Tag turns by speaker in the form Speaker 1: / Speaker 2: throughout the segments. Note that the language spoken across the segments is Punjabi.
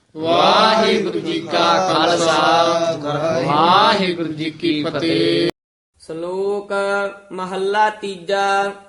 Speaker 1: ਵਾਹਿਗੁਰੂ ਜੀ ਕਾ ਖਾਲਸਾ ਵਾਹਿਗੁਰੂ ਜੀ ਕੀ ਫਤਿਹ।
Speaker 2: ਸ਼ਲੋਕ ਮਹੱਲਾ ਤੀਜਾ।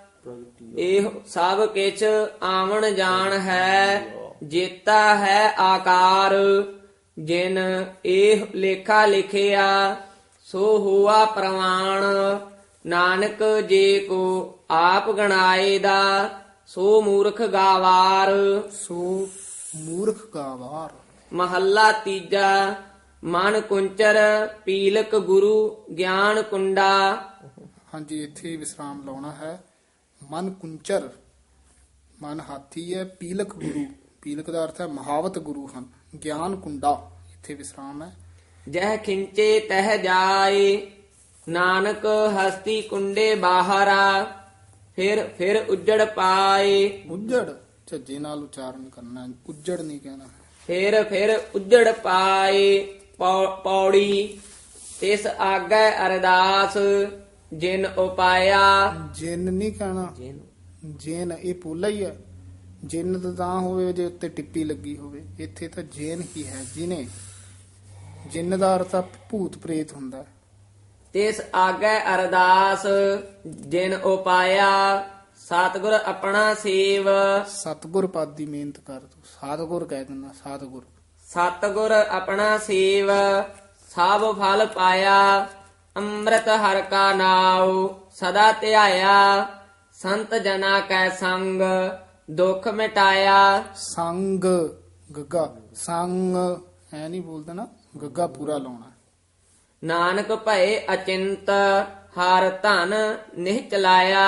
Speaker 2: ਇਹ ਸਭ ਕਿਛ ਆਵਣ ਜਾਣ ਹੈ, ਜੇਤਾ ਹੈ ਆਕਾਰ। ਜਿਨ ਇਹ ਲੇਖਾ ਲਿਖਿਆ, ਸੋ ਹੋਆ ਪ੍ਰਮਾਣ। ਨਾਨਕ ਜੇ ਕੋ ਆਪ ਗਣਾਏ ਦਾ, ਸੋ ਮੂਰਖ ਗਾਵਾਰ।
Speaker 3: ਸੋ ਮੂਰਖ ਗਾਵਾਰ।
Speaker 2: ਮਹੱਲਾ ਤੀਜਾ। ਮਨ ਕੁੰਚਰ ਪੀਲਕ ਗੁਰੂ ਗਿਆਨ ਕੁੰਡਾ।
Speaker 3: ਹਾਂਜੀ, ਇੱਥੇ ਵਿਸਰਾਮ ਲਾਉਣਾ ਹੈ। ਮਨ ਕੁੰਚਰ, ਮਨ ਹਾਥੀ ਹੈ, ਪੀਲਕ ਗੁਰੂ, ਪੀਲਕ ਦਾ ਅਰਥ ਹੈ ਮਹਾਵਤ ਗੁਰੂ ਹਨ। ਗਿਆਨ ਕੁੰਡਾ, ਇੱਥੇ ਵਿਸਰਾਮ ਹੈ।
Speaker 2: ਜਹ ਖਿੰਚੇ ਤਹ ਜਾਏ, ਨਾਨਕ ਹਸਤੀ ਕੁੰਡੇ ਬਾਹਰਾ। ਫਿਰ ਉੱਜੜ ਪਾਏ।
Speaker 3: ਉੱਜੜ ਝੱਜੇ ਨਾਲ ਉਚਾਰਨ ਕਰਨਾ, ਉੱਜੜ ਨਹੀਂ ਕਹਿਣਾ।
Speaker 2: ਫਿਰ ਉੱਜੜ ਪਾਏ। ਪੌੜੀ ਤਿਸ ਆਗੈ ਅਰਦਾਸ, ਜਿਨ ਉਪਾਇਆ।
Speaker 3: ਜਿਨ ਨਹੀਂ ਕਹਿਣਾ, ਜੇਨ ਇਹ ਪੋਲਾ ਹੀ ਹੈ। ਜਿਨ ਤਾਂ ਹੋਵੇ ਜੇ ਉੱਤੇ ਟਿੱਪੀ ਲੱਗੀ ਹੋਵੇ, ਇੱਥੇ ਤਾਂ ਜੇਨ ਹੀ ਹੈ। ਜਿਨੇ, ਜਿਨ ਦਾ ਅਰਥ ਆ ਭੂਤ ਪ੍ਰੇਤ ਹੁੰਦਾ ਹੈ।
Speaker 2: ਤਿਸ ਆਗੈ ਅਰਦਾਸ, ਜਿਨ ਉਪਾਇਆ। ਸਤਿਗੁਰ ਆਪਣਾ ਸੇਵ।
Speaker 3: ਸਤਿਗੁਰ ਪਦ ਦੀ ਮਿਹਨਤ ਕਰ ਤੂੰ, ਸਤਿਗੁਰ ਕਹਿ ਦਿੰਦਾ, ਸਤਿਗੁਰ।
Speaker 2: ਸਤਿਗੁਰ ਆਪਣਾ ਸੇਵ, ਸਭ ਫਲ ਪਾਇਆ। ਅੰਮ੍ਰਿਤ ਹਰਿ ਕਾ ਨਾਉ, ਸਦਾ ਧਿਆਇਆ। ਸੰਤ ਜਨਾ ਕੈ ਸੰਗ, ਦੁੱਖ ਮਿਟਾਇਆ।
Speaker 3: ਸੰਗ ਗੱਗਾ, ਸੰਗ ਐ ਨਹੀਂ ਬੋਲਦਾ ਨਾ, ਗੱਗਾ ਪੂਰਾ ਲਾਉਣਾ।
Speaker 2: ਨਾਨਕ ਭਏ ਅਚਿੰਤ, ਹਰ ਧਨ ਨਿਹ ਚਲਾਇਆ।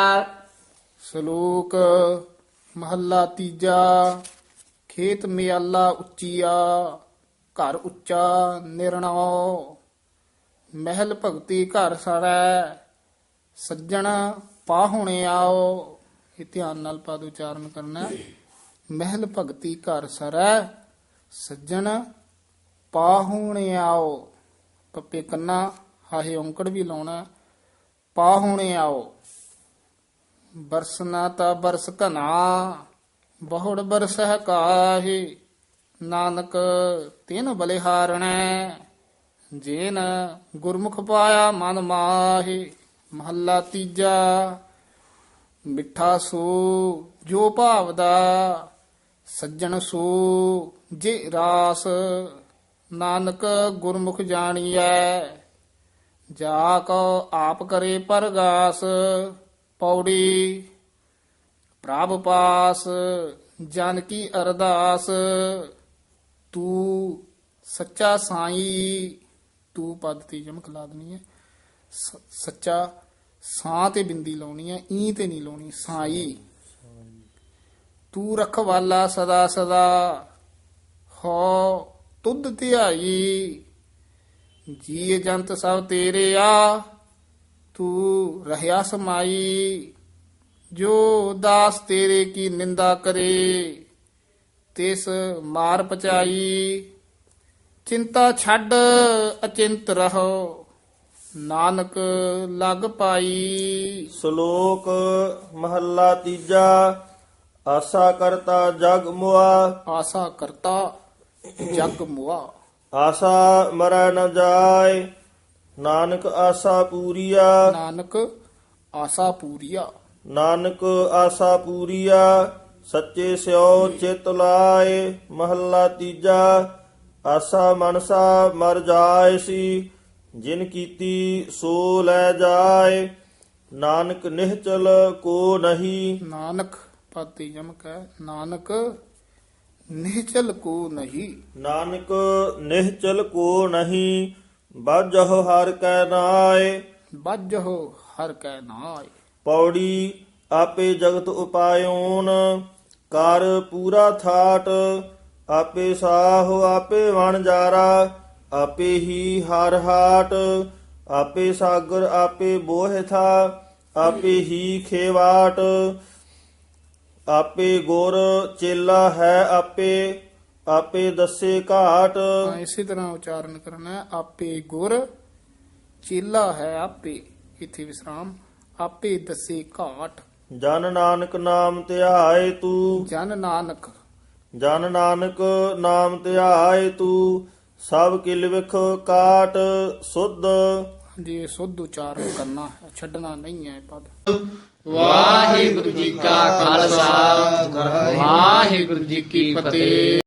Speaker 3: ਸ਼ਲੋਕ ਮਹੱਲਾ ਤੀਜਾ। ਖੇਤ ਮਿਆਲਾ ਉੱਚੀਆ, ਘਰ ਉੱਚਾ ਨਿਰਣਾਉ। ਮਹਿਲ ਭਗਤੀ ਘਰ ਸਰੈ, ਸੱਜਣ ਪਾਹੁਣੇ ਆਓ। ਇਹ ਧਿਆਨ ਨਾਲ ਪਦ ਉਚਾਰਨ ਕਰਨਾ। ਮਹਿਲ ਭਗਤੀ ਘਰ ਸਰੈ, ਸੱਜਣ ਪਾਹੁਣੇ ਆਓ। ਪੱਪੇ ਕੰਨਾ ਹਾਹੇ ਔਂਕੜ ਵੀ ਲਾਉਣਾ। ਪਾਹੁਣੇ ਆਓ। ਬਰਸਨਾ ਤਾ ਬਰਸ ਘਨਾ, ਬਹੁੜ ਬਰਸਹਿ ਕਾਹੀ। ਨਾਨਕ ਤਿਨ ਬਲਿਹਾਰਣੈ, ਜੇਨ ਗੁਰਮੁਖ ਪਾਇਆ ਮਨ ਮਾਹੀ। ਮਹੱਲਾ ਤੀਜਾ। ਮਿੱਠਾ ਸੋ ਜੋ ਭਾਵਦਾ, ਸੱਜਣ ਸੋ ਜੇ ਰਾਸ। ਨਾਨਕ ਗੁਰਮੁਖ ਜਾਣੀਐ, ਜਾ ਕੋ ਆਪ ਕਰੇ ਪਰਗਾਸ। ਪੌੜੀ ਪ੍ਰਭ ਪਾਸ, ਜਨ ਕੀ ਅਰਦਾਸ। ਤੂੰ ਸੱਚਾ ਸਾਈ, ਤੂੰ ਪਦ ਤੇ ਯਮਕ ਲਾ ਦੇਣੀ ਹੈ। ਸੱਚਾ ਸਾਂ ਤੇ ਬਿੰਦੀ ਲਾਉਣੀ ਹੈ, ਈ ਤੇ ਨਹੀਂ ਲਾਉਣੀ। ਸਾਈ ਤੂੰ ਰਖਵਾਲਾ ਸਦਾ ਸਦਾ, ਹੋ ਤੁਧ ਧਿਆਈ। ਜੀਅ ਜੰਤ ਸਭ ਤੇਰੇ ਆ, ਤੂੰ ਰਹਿਆ ਸਮਾਈ। ਜੋ ਦਾਸ ਤੇਰੇ ਕੀ ਨਿੰਦਾ ਕਰੇ, ਤਿਸ ਮਾਰ ਪਚਾਈ। ਚਿੰਤਾ ਛੱਡ ਅਚਿੰਤ ਰਹੋ, ਨਾਨਕ ਲਗ ਪਾਈ।
Speaker 4: ਸ਼ਲੋਕ ਮਹੱਲਾ ਤੀਜਾ। ਆਸਾ ਕਰਤਾ ਜਗ ਮੁਆ,
Speaker 3: ਆਸਾ ਕਰਤਾ ਜਗ ਮੁਆ।
Speaker 4: ਆਸਾ ਮਰੈ ਨ ਜਾਏ, ਨਾਨਕ ਆਸਾ ਪੂਰੀਆ।
Speaker 3: ਨਾਨਕ ਆਸਾ ਪੂਰੀਆ।
Speaker 4: ਨਾਨਕ ਆਸਾ ਪੂਰੀਆ, ਸੱਚੇ ਸਿਓ ਚਿਤ ਲਾਏ। ਮਹੱਲਾ ਤੀਜਾ। ਆਸਾ ਮਨਸਾ ਮਰ ਜਾਏ ਸੀ, ਜਿਨ ਕੀਤੀ ਸੋ ਲੈ ਜਾਏ। ਨਾਨਕ ਨਿਹਚਲ ਕੋ ਨਹੀਂ।
Speaker 3: ਨਾਨਕ ਪਦ ਤੇ ਯਮਕ ਹੈ। ਨਾਨਕ ਨਿਹਚਲ ਕੋ ਨਹੀਂ।
Speaker 4: ਨਾਨਕ ਨਿਹਚਲ ਕੋ ਨਹੀਂ, ਬਾਝਹੁ ਹਰ ਕੈ ਨਾਏ।
Speaker 3: ਬੱਜਹੁ ਹਰ ਕੈ ਨਾਇ।
Speaker 4: ਪੌੜੀ ਆਪੇ ਜਗਤ ਉਪਾਇਓਨ, ਕਰ ਪੂਰਾ ਥਾਟ। ਆਪੇ ਸਾਹੁ ਆਪੇ ਵਣਜਾਰਾ, ਆਪੇ ਹੀ ਹਰ ਹਾਟ। ਆਪੇ ਸਾਗਰ ਆਪੇ ਬੋਹਿ ਥਾ, ਆਪੇ ਹੀ ਖੇਵਾਟ। ਆਪੇ ਗੁਰ ਚੇਲਾ ਹੈ ਆਪੇ, ਆਪੇ ਦੱਸੇ ਘਾਟ।
Speaker 3: ਇਸੇ ਤਰ੍ਹਾਂ ਉਚਾਰਨ ਕਰਨਾ ਹੈ। ਆਪੇ ਗੁਰ ਚੇਲਾ ਹੈ ਆਪੇ, ਇੱਥੇ ਵਿਸਰਾਮ। ਆਪੇ ਦੱਸੇ ਘਾਟ।
Speaker 4: ਜਨ ਨਾਨਕ ਨਾਮ ਧਿਆਏ ਤੂੰ,
Speaker 3: ਜਨ ਨਾਨਕ
Speaker 4: ਜਨ ਨਾਨਕ ਨਾਮ ਧਿਆਏ ਤੂੰ ਸਭ ਕਿਲ ਵਿਖ ਕਾਟ ਸੁਧ।
Speaker 3: ਜੀ ਇਹ ਸੁੱਧ ਉਚਾਰਨ ਕਰਨਾ ਹੈ, ਛੱਡਣਾ ਨਹੀਂ ਹੈ ਪਦ।
Speaker 1: ਵਾਹਿਗੁਰੂ ਜੀ ਕਾ ਖਾਲਸਾ ਵਾਹਿਗੁਰੂ ਜੀ ਕੀ ਫਤਿਹ।